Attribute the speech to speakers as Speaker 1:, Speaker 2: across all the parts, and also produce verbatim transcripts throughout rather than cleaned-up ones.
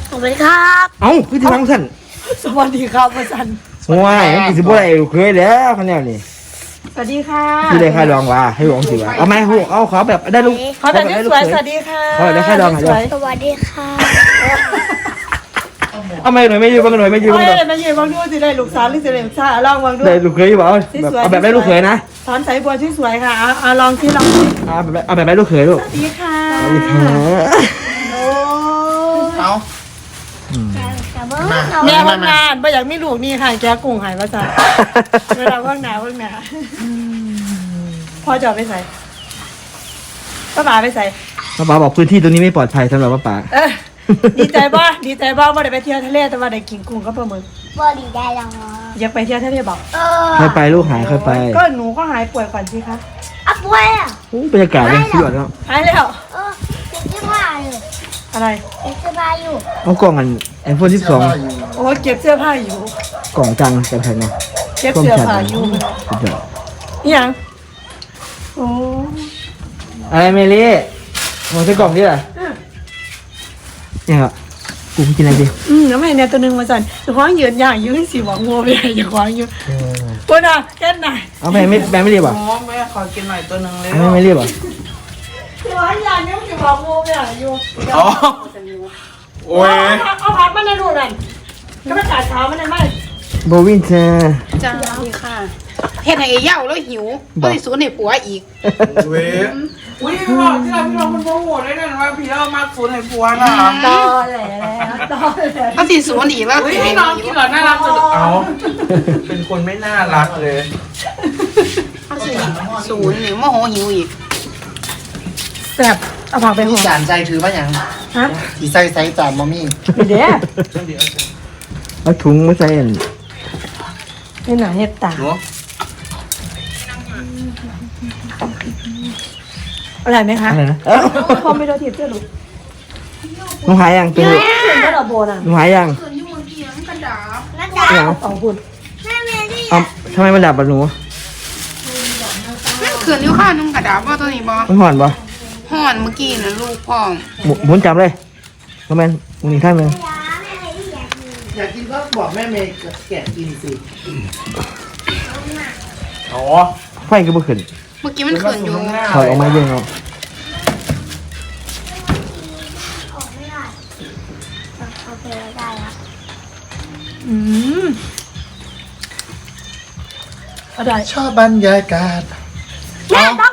Speaker 1: สวัสดีครับ
Speaker 2: เอ้าพี่ที่ฟังสั่น
Speaker 1: สวัสดีครับพ่อสัน
Speaker 2: ว้ายมันสิบ่ได้เคยแล้วคันแนวนี้
Speaker 1: สวัสดีค่ะ
Speaker 2: พี่ได้ค่าดองว่าให้หลวงสิว่าเอาไหมเอาขอแบบได้ลูก
Speaker 1: ขอแบบนี้สวยสวัสดีค่ะ
Speaker 2: ขอได้ค่าดองหน่อย
Speaker 1: สวัสดีค่ะ
Speaker 2: เอาไหมหน่อยไม่ยืมบ้างหน่อยไม่ยืมบ้างหน่อย
Speaker 1: ไม่ยืมบ้างด้วยสิได้ลูกสาวหรือสิได้ลูกชายลองบ้างด้วย
Speaker 2: ได้ลูกเคยบ่เอาเอาแบบได้ลูกเคยนะ
Speaker 1: สอนใส่บัวสวยๆค่ะเอาลองที่ลอง
Speaker 2: เอาแบบเอาแบบได้ลูกเคยลูก
Speaker 1: สวัสดีค่ะ
Speaker 2: สวัสดีค่ะ
Speaker 1: โอ้
Speaker 3: เอา
Speaker 1: แม่ว่างงานไม่อยากมีลูกนี่ค่ะแกกุ้งหายมาจ้ะเวลาว่างหนาว่างหนาพ่อจะไปใส่ป้าป๋าไปใส่
Speaker 2: ป้าป๋าบอกพื้นที่ตรงนี้ไม่ปลอดภัยสำหรับป้าป๋า
Speaker 1: ดีใจบ้าดีใจบ้าว่าได้ไปเที่ยวทะเลแต่ว่าได้กินกุ้งก็ปลาหมึก
Speaker 4: บ่ดีได้แล้ว
Speaker 1: อยากไปเที่ยวทะเลบอก
Speaker 2: เคยไปลูกหายเคยไป
Speaker 1: ก็หนูก็หายป่วยก่อนสิคะ
Speaker 4: อ่ะป่วยอ่ะ
Speaker 2: บรรยากาศยังสุดยอดแล้ว
Speaker 1: หายแล้ว
Speaker 4: เออเก็บเสื้อผ้าอยู่
Speaker 1: อะไร
Speaker 4: เก็บเสื้อผ้าอยู่
Speaker 2: เอากล่องกันไอโฟนสิบสอง
Speaker 1: โอ้เก็บเสื้อผ้าอยู่
Speaker 2: กล่องจังจะแพงนะ
Speaker 1: เก็บเสื้อผ้าอยู่
Speaker 2: สุดยอด
Speaker 1: ยังโอ้
Speaker 2: อะไรเมลี่มองใส่กล่องดิล่ะเนี่ยกูกินอะไรดี
Speaker 1: อืมแล้วแม่เนี่ยตัวนึงมาสั่นจะคว้างยืนอย่างยืนสีหวังงัวไปอย่าคว้างยืนตัวน่ะแค่ไหน
Speaker 2: เอาแม่ไม่แม่ไม่รีบอ่ะ
Speaker 3: อ๋อแม่ขอกินหน่อยตัวหนึ่งเลย
Speaker 2: แม่ไม่รีบอ่ะ
Speaker 1: คว้างอย่างยืนสีหวังงัวไปอยู่
Speaker 3: อ๋อโอ้ย
Speaker 1: เอาพัดมาในรูนั่นก็ไม่ขาดเท้ามันเลยไหม
Speaker 2: โบวินเธอ
Speaker 5: จ้าค่ะเฮ็ดให้เย่าแล้วหิวก็สิสูนให้ผัวอีก
Speaker 3: เว้ยอุ้ยพี่บอกที่เราพี่น้องมันโมโหได้เลยว่าพี่เรามาสูนให้ผัวนะ
Speaker 1: ตอแหลตอแหล
Speaker 5: ก็สิสูนอีกแล้ว
Speaker 3: อุ้ยพี่น้องกินหรอน่ารักจังเอาเป็นคนไม่น่ารักเลย
Speaker 5: ก็สิสูนนี่โมโหหิวอีก
Speaker 1: แซ่บเอาผักไปห่อ
Speaker 3: จานใจถือว่าอย่าง
Speaker 1: ฮะ
Speaker 3: สีใส่ใส่จานมอมี่
Speaker 1: เดี๋ยว
Speaker 2: เอาถุงมาใส่
Speaker 1: นี่หนาเห็ดตาอะไรไหมคะ
Speaker 2: อะไรนะ
Speaker 1: พอไม่โดนถีบเจ้าลูก
Speaker 2: มึงหายยังตัวนี้
Speaker 1: ก็ดอกโบน่ะ
Speaker 2: มึงหายยัง
Speaker 4: นั่นจ้า
Speaker 1: สองคุณ
Speaker 4: แม่เมลี่
Speaker 2: เอาทำไมมันดับอ่ะหนู
Speaker 5: นั่นคืนอยู่ข้านุ่งกระดาษบ่ตัวนี้บ่
Speaker 2: มันห่อนป่ะ
Speaker 5: ห่อนเมื่อกี้นะลูกพ่อ
Speaker 2: หมุนจับเลยประมาณมึงอีกข้างหนึ่ง
Speaker 3: อยากกินก็บอกแม่เมย์แกะกินสิอ๋อ
Speaker 2: ไฟก็ไม่ขึ้น
Speaker 5: เมื่อกี้มันขึ้นอยู่
Speaker 2: ถอยออกมาเยอะเนาะ
Speaker 4: ออกไม่ได้โอเคได้แล้ว
Speaker 1: อืมอะไร
Speaker 3: ชอบบรรยากาศ
Speaker 4: แม่ต้อง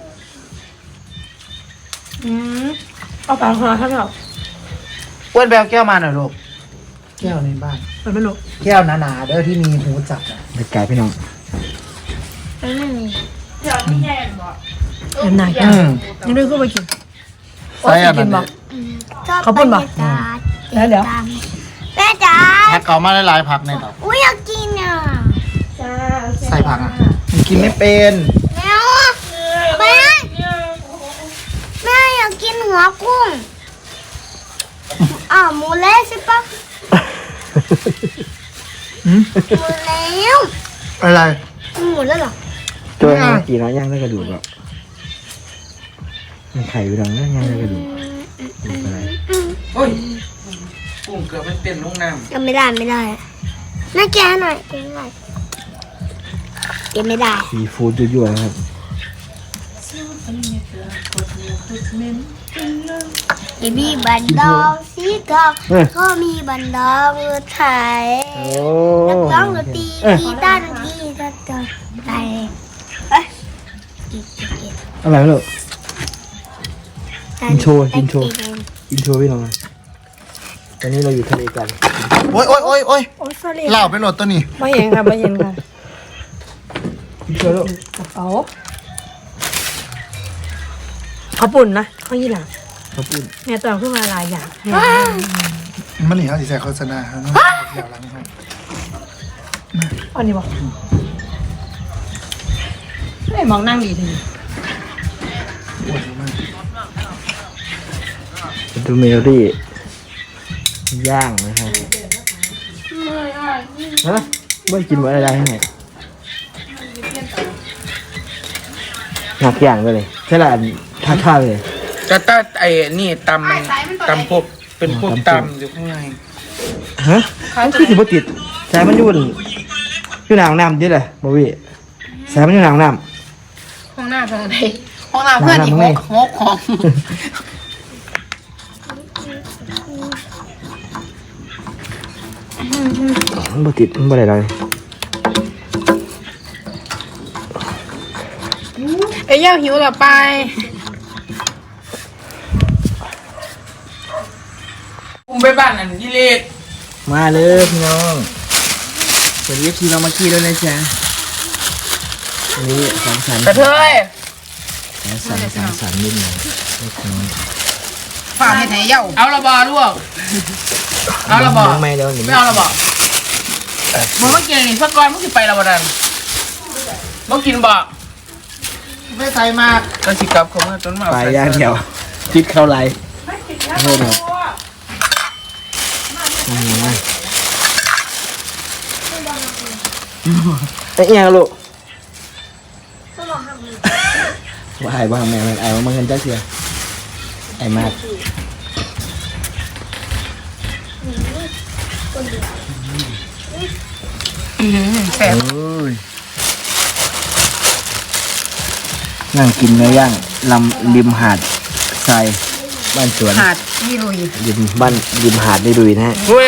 Speaker 1: อืมเอาปากหัวข้างนอก
Speaker 3: อ้วนแบวแก้วมาหน่อยลูกแก้วในบ้าน
Speaker 1: มันไม่ลูก
Speaker 3: แก้วหนาๆเด้อที่มีหูจับอ่ะ
Speaker 2: เด็กไก่พี่น้อง
Speaker 4: ไม่มี
Speaker 1: เดี๋ยวนี่แย่บอกเอ็นไหนกันยังได้ขึ้นไปกิน
Speaker 3: ใส่อะไร
Speaker 1: บอก
Speaker 4: เขาพูดบอก
Speaker 1: แล้วเดี๋ยว
Speaker 4: แม่จ๋า
Speaker 3: ผักเก่ามาหลายๆผักในต่อ
Speaker 4: อุ้ยอยากกินอ่ะ
Speaker 3: ใส่ผักอ่ะมันกินไม่เป็น
Speaker 4: แม่แม่แม่อยากกินหัวกุ้งอ่าหมูเละใช่ปะหมูแล้ว
Speaker 3: อะไร
Speaker 4: หมูแล้วเหรอ
Speaker 2: ตัวนี้กี่น้อยย่างได้กระดูกอ่ะมันไข่อยู่ดังนั่นย่างได้กระดูกอะไร
Speaker 3: โอ้ยกุ้งเกือบไม่เป็นลูกน้ำ
Speaker 4: ยังไม่ได้ไม่ได้แม่แกะหน่อยแกะหน่อยแกะไม่ได้
Speaker 2: ซีฟู้ดยั่วๆครับ
Speaker 4: มีบันดองสีทองก็มีบันดองไทยนักร้องดนตรีกีตาร์กีตาร์ไทย
Speaker 2: อะไรไม่รู้กินโชว์กินโชว์กินโชว์พี่น้องตอนนี้เราอยู่ทะเลกัน
Speaker 3: โอ้ยโอ้ยโอ้ยโอ้ยเล่าไปโหลดตัวนี้
Speaker 1: ไม่เย็นค่ะไม่เย็นค่ะ
Speaker 2: กินโชว์ลูก
Speaker 1: กระเป๋าเขาปุ่นนะเขายี่หลัง
Speaker 2: เขาปุ่น
Speaker 1: เนี่ยตอนขึ้นมาหลายอย่าง
Speaker 3: มันหนีเขาสิใส่โฆษณาเขาเนาะเดี๋ยวหลังให้
Speaker 1: อันนี้บอกไม่มองนั่งดีที
Speaker 3: ปวดมาก
Speaker 2: ดูเมลลี่ย่างนะครับฮะไม่กินอะไรได้ให้หนักอย่างเลยใช่ละท่าท่าเลย
Speaker 3: จะต้าไอ้นี่ตำตำพวกเป็นพวกตำอยู่ข้างใน
Speaker 2: ฮะมันคือสิบ่ติดสายมันอยู่บนอยู่หนางน้ำดิเลยบ่วิสายมันอยู่หนางน้
Speaker 5: ห้องหน้าทางไหนห้องน้ำเพื่อนอีกหกหกของ
Speaker 2: ำมันบ่ติดมันบ่ได้เลย
Speaker 5: ไอ้เย่าหิวต่อไป
Speaker 3: อุ้มไปบ้านอันที่เล็ก
Speaker 2: มาเลยพี่น้องสวัสดีทีเรามาขี้แล้วนะจ๊ะวันนี้สามสัน
Speaker 3: กระเทย
Speaker 2: สามสันสามสันนิดหน่อยเล็กน้อย
Speaker 5: ฝากให้ไอ้เย่า
Speaker 3: เอาละบอลูกเอาละบอ
Speaker 2: ไม่แล้วหนู
Speaker 3: ไม่เอาละบอมึงเมื่อกี้นี่สักก้อนมึงสิไปละบอดันมึงกินบ่ไม่ใส่มากก็สิกลับเขามาจนมา
Speaker 2: ไปย่างเดียวคิดเข้าไรโทษนะเอ๊ะยังลูกว่าไอ้บ้างแม่ไอ้บ้างเงินจ้าเสียไอ้มาก
Speaker 5: แซ่บ
Speaker 2: นั่งกินเนื้อย่างลำริมหาดทรายบ้านสวน
Speaker 5: หาดยี่ลุย
Speaker 2: ริมบ้านริมหาดได้ดุยนะฮะ
Speaker 3: เว้ย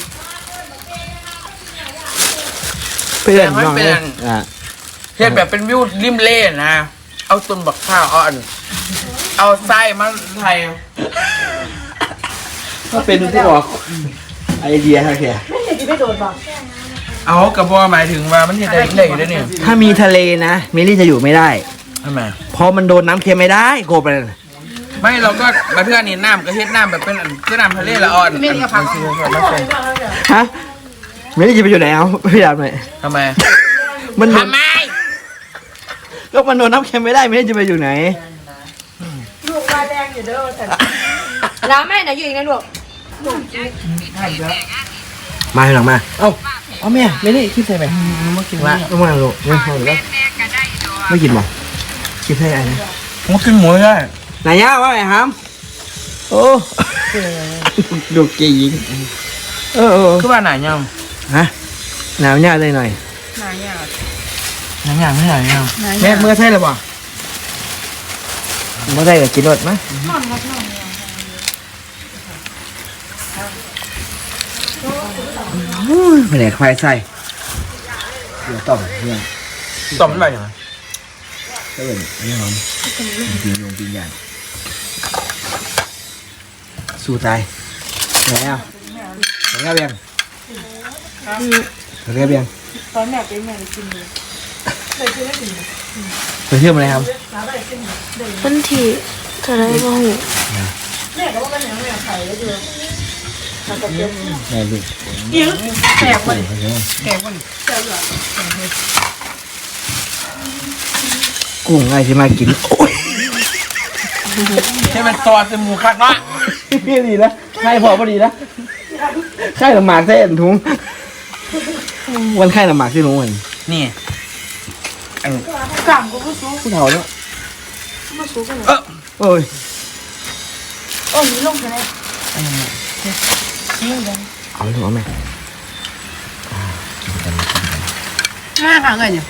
Speaker 2: เพื่อนน้องเลยอ่ะ
Speaker 3: เฮ็ดแบบเป็นวิวริมเล่นะ เอาต้นบักข้าวเอาอัน เอาไส้มาไทย
Speaker 2: ก็เป็นผู้ออกไอเดียครับแก
Speaker 1: ไม่เห็นที่ไม่โดนบอก
Speaker 3: เอากระบอกหมายถึงว่ามันเห็นได้ได้อยู่ด้วยเนี่ย
Speaker 2: ถ้ามีทะเลนะเมลี่จะอยู่ไม่ได้
Speaker 3: ทำไม
Speaker 2: เพราะมันโดนน้ำเค็มไม่ได้โกไปเลย
Speaker 3: ไม่เราก็มาเพื่อนนี่น้ำก็เฮ็ดน้ำแบบเป็นอันคือน้ำทะเลละอ่อนไม่เอาผัก
Speaker 2: ฮะเมลี่จะไปอยู่ไหนเอาพยายามหน่อย
Speaker 3: ทำไม
Speaker 2: มันโดน
Speaker 3: ทำไม
Speaker 2: ก็มันโดนน้ำเค็มไม่ได้เมลี่จะไปอยู่ไหน
Speaker 1: ลูกมาแดงอยู่เด้อแต่แล้วแม่ไหนอยู่อีกนะลูก
Speaker 2: มาหลังมาเอ้าเอาแม่เมลี่คิดใส่ไหมมากินละต้องมาลูกไม่เอาแล้วไม่กินหรอคิดใส่อะไรนะ
Speaker 3: มันกินหมูได้
Speaker 2: ไหนย่าว่าไงฮัมโอ้ดูเกยิงเออเออ
Speaker 3: คือว่าหนายัง
Speaker 2: ฮะหนาวย่าเลยหน่อย
Speaker 5: นายอ่ะ
Speaker 3: หนายังไม่หนายัง
Speaker 2: แม่เมื่อใช่หรือเปล่าเมื่อใช่ก็กินรสไหมไม่ได้ควายใส่เดี๋ยวต้มเพื่อน
Speaker 3: ต่อมมันแบบยังไง
Speaker 2: ก็เป็นอันนี้หอมปีนลงปีนใหญ่สู้ตายไหนอ่ะไหนอ่ะเบียงไหนอ่ะเบียง
Speaker 1: ตอนแม่เป็นแม่กินเลยเลยกินได้ถึง
Speaker 2: ไปเที่ยวมาเลยครับ
Speaker 4: วันที่เท่าไรบ้าง
Speaker 1: แม่ก็ว่าเป็นอย่างแม่ไข่ได้ด้วย
Speaker 2: แม่ลูก
Speaker 5: แซ่บกว่าแซ่บกว่า
Speaker 2: กุ้งไงที่มากินโอ้ย
Speaker 3: ให้มันซอสเป็นหมูคักเนาะ
Speaker 2: พี่ดีนะไข่พอพอดีนะไข่หนังหมากเส้นถุงวันไข่หนังหมากที่ถุงวัน
Speaker 3: นี่
Speaker 1: กล่ำก็ผู้สูง
Speaker 2: ผู้เฒ่าเนาะ
Speaker 1: ผู้สูงกันเลย
Speaker 3: เออ
Speaker 2: โอ้ย
Speaker 1: โอ้ยนี่ลงไปเลย
Speaker 2: เอาเลยเอาไหม
Speaker 5: ห้าครั้งเลยเนี่ย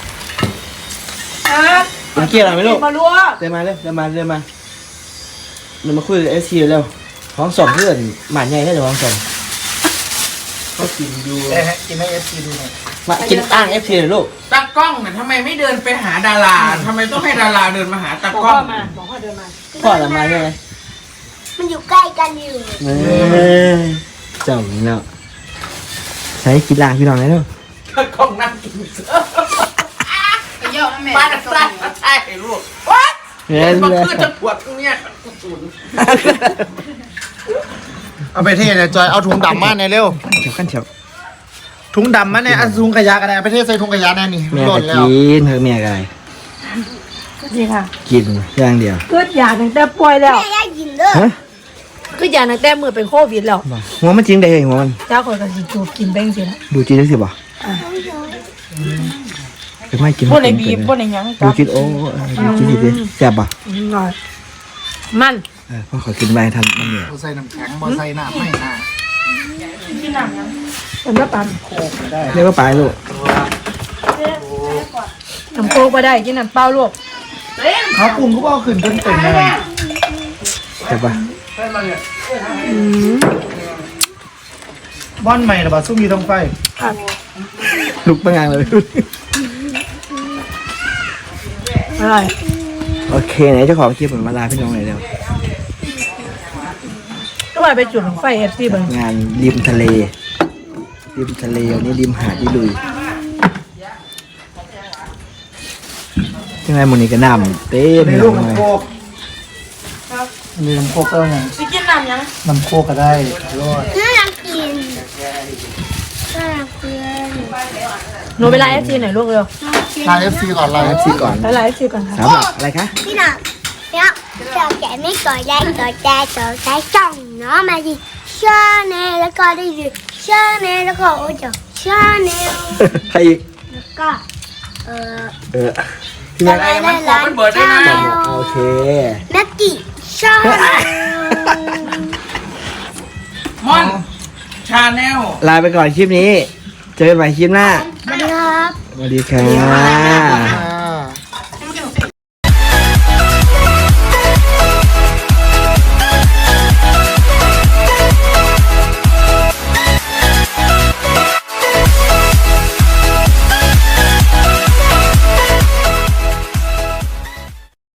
Speaker 2: มาเกี่ยวอะไรไหมลูก
Speaker 1: มาลัว
Speaker 2: เดินมาเลยเดินมาเดินมาเดินมาคุยกับเอสซีเร็วห้องสองเพื่อนหมาใหญ่ได้หรือห้องสองเขากินดู
Speaker 3: กินให้เอฟซีดูหน่อย
Speaker 2: มากินอ้างเอฟซีเลยลูก
Speaker 3: ตากล้องเนี่ยทำไมไม่เดินไปหาดาราทำไมต้องให้ดาราเดินมาหาตา
Speaker 1: บอก
Speaker 3: กล้อ
Speaker 1: พ่อง มาบอกพ่อเดินมา
Speaker 2: พ่อละมาใช่ไหม
Speaker 4: มันอยู่ใกล้กันอยู่
Speaker 2: เจ้าเนาะใช้กินล่างพี่น้องเลยลูก
Speaker 3: ตากล้องนั่งกินเสื้อ
Speaker 5: ไอ้เย่าแม่
Speaker 3: มาจากใต้มาใช่ลูกว้า
Speaker 2: เฮ้ย
Speaker 3: มัน
Speaker 2: เลย
Speaker 3: คือจะปวดตรงเนี้ยกูสูน
Speaker 6: เอาไปเทเนี่ยจอยเอาถุงดำมาในเร็ว
Speaker 2: เฉียวขั้นเฉียว
Speaker 6: ถุงดำมาเนี่ยเอาถุงขยะกันเลยเอาไปเทใส่ถุงขยะแน่นี่
Speaker 2: แม่
Speaker 6: หล่
Speaker 2: ก็
Speaker 6: นแล้ว
Speaker 2: กินเธอแม่ก็อะไร
Speaker 1: ดีค่ะ
Speaker 2: กินอย่างเดียว
Speaker 1: เกิดยาตั้งแต่ป่วยแล้ว
Speaker 4: แม่อยากกินเด้อ
Speaker 2: ฮะ
Speaker 1: เกิดยาตั้งแต่มือเป็นโควิดแล้ว
Speaker 2: หัวมันจริงได้หัวมัน
Speaker 1: เจ้าคนก็สิจูบกินแบงสิละ
Speaker 2: ดูจีนได้สิบ่เป็นไม่กิน
Speaker 3: พวกในบีบพวกในยัง
Speaker 2: ดูจีนโอ้ดูจีนดิแซ่บป่ะ
Speaker 1: หน่อยมัน
Speaker 2: เออพ่อขอกินไปทันมันเหนื่อย
Speaker 6: บอใส่น้ำแข็งบอใส่น้ำไม่น่า
Speaker 1: กินน้ำยังเป็นน้ำปั่น
Speaker 6: โคกไม่ได้
Speaker 2: เรียกว่าปลายลูก
Speaker 1: น้ำโคกก็ได้กินน้ำเปล่าลูก
Speaker 6: เขาปรุงก็เอาขึ้นจนเต็มเลย
Speaker 2: ใช่ปะ
Speaker 6: บ้อนใหม่หรือเปล่าซุ่มมีต้องไฟ
Speaker 2: ลุกไปงานเลย
Speaker 1: อะไร
Speaker 2: โอเคไหนเจ้าของคลิปเหมือนมาลาพี่น้องเลยเร็ว
Speaker 1: ก็ว่าไปจุดของไฟเอฟซีเบิ้ง
Speaker 2: งานริมทะเล ริมทะเลวันนี้ริมหาดที่ลุยยังไงหมันนี่ก็นำเต้น
Speaker 6: ใน
Speaker 2: เล
Speaker 6: ลูก
Speaker 2: ย
Speaker 6: น้ำโคกมีน้ำโคกก็ไง
Speaker 1: ไปกินน้ำยัง
Speaker 6: น้ำโคกก็ได้รอด
Speaker 4: น่ารักกินน่ารักเพื่อน
Speaker 1: หนูไปไลน์เอฟซีหน่อยลูกเร็ว
Speaker 6: ไลน์เอฟซีก่อนไลน์
Speaker 2: แอ
Speaker 6: เอ
Speaker 2: ป
Speaker 6: ฟ
Speaker 2: ซี
Speaker 6: ซี
Speaker 2: ก่อน
Speaker 1: ไปไลน์เอฟซีก่อนค่ะ
Speaker 2: สำหรับอะไรคะ
Speaker 4: พี่หน่ะเนี่ยเราแกะไม่ก่อแรกก่อแต่ก่อแต่จ้องเนาะมาดิชาแนลแล้วก็ได้ดิชาแนลแล้วก็โอ้ยชาแนล
Speaker 2: ใครอีก
Speaker 4: แล้วก็เออ
Speaker 2: เออพี่แม็ก
Speaker 3: ไอ้มันขอมันเบิดได้นะ
Speaker 2: โอเค
Speaker 4: แม็กกี้ชาแนล
Speaker 3: มอนชาแนล
Speaker 2: ลาไปก่อนคลิปนี้ เจอกันใหม่คลิปหน้า
Speaker 4: สวัสดีครับ
Speaker 2: สวัสดีครับ